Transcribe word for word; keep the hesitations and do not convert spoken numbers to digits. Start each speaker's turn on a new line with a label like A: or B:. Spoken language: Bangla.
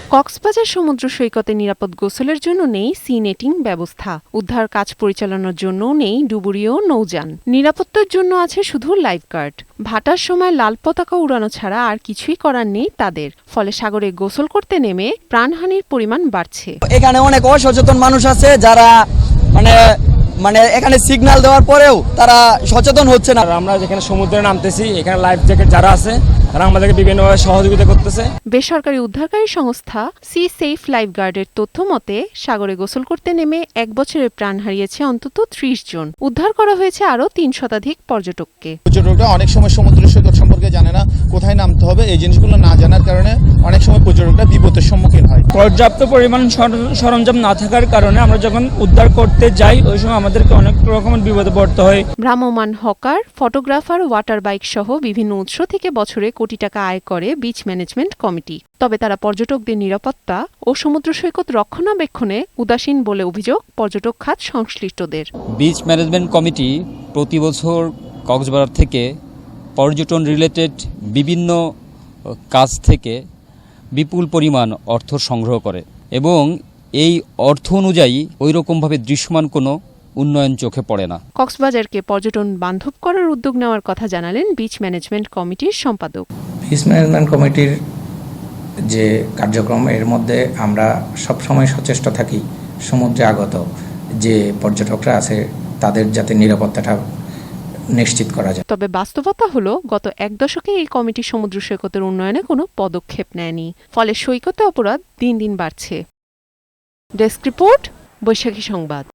A: কক্সবাজার সমুদ্র সৈকতে নিরাপদ গোসলের জন্য নেই সি নেটিং ব্যবস্থা। উদ্ধার কাজ পরিচালনার জন্যও নেই ডুবুরি ও নৌযান। নিরাপত্তার জন্য আছে শুধু লাইফগার্ড। ভাটার সময় লাল পতাকা উড়ানো ছাড়া আর কিছুই করার নেই তাদের। ফলে সাগরে গোসল করতে নেমে প্রাণহানির পরিমাণ বাড়ছে।
B: এখানে অনেক অসচেতন মানুষ আছে যারা মানে মানে এখানে সিগন্যাল দেওয়ার পরেও তারা সচেতন হচ্ছে না।
C: আমরা যেখানে সমুদ্রে নামতেছি এখানে লাইফ জ্যাকেট যারা আছে তারা আমাদেরকে বিভিন্নভাবে সহযোগিতা করতেছে।
A: বেসরকারি উদ্ধারকারী সংস্থা সি সেফ লাইফগার্ডের তথ্য মতে সাগরে গোসল করতে নেমে এক বছরে প্রাণ হারিয়েছে অন্তত ত্রিশ জন। উদ্ধার করা হয়েছে আরও তিন শতাধিক পর্যটককে।
D: পর্যটকরা অনেক সময় সমুদ্র সৈকত সম্পর্কে জানে না, কোথায় নামতে হবে, এই জিনিসগুলো না জানার কারণে অনেক সময় পর্যটকরা বিপদের সম্মুখীন হয়।
C: পর্যাপ্ত পরিমাণ সরঞ্জাম না থাকার কারণে আমরা যখন উদ্ধার করতে যাই ওই সময় আমাদেরকে অনেক রকমের বিপদে পড়তে হয়।
A: ভ্রাম্যমাণ হকার, ফটোগ্রাফার, ওয়াটার বাইক সহ বিভিন্ন উৎস থেকে বছরে কোটি টাকা আয় করে বিচ ম্যানেজমেন্ট কমিটি। তবে তারা পর্যটকদের নিরাপত্তা ও সমুদ্র সৈকত রক্ষণাবেক্ষণে উদাসীন বলে অভিযোগ পর্যটক খাত সংশ্লিষ্টদের।
E: বিচ ম্যানেজমেন্ট কমিটি প্রতি বছর কক্সবাজার থেকে পর্যটন রিলেটেড বিভিন্ন কাজ থেকে বিপুল পরিমাণ অর্থ সংগ্রহ করে এবং এই অর্থ অনুযায়ী ওই রকমভাবে দৃশ্যমান কোনো উন্নয়ন চোখে পড়ে না।
A: কক্সবাজারকে পর্যটন বান্ধব করার উদ্যোগ নেওয়ার কথা জানালেন বিচ ম্যানেজমেন্ট কমিটির সম্পাদক।
F: বিচ ম্যানেজমেন্ট কমিটির যে কার্যক্রম এর মধ্যে আমরা সবসময় সচেষ্ট থাকি সমুদ্রে আগত যে পর্যটকরা আছে তাদের যাতে নিরাপত্তাটা নিশ্চিত করা যায়।
A: তবে বাস্তবতা হলো গত এক দশকে এই কমিটি সমুদ্র সৈকতের উন্নয়নে কোনো পদক্ষেপ নেয়নি। ফলে সৈকতে অপরাধ দিন দিন বাড়ছে। ডেস্ক রিপোর্ট, বৈশাখী সংবাদ।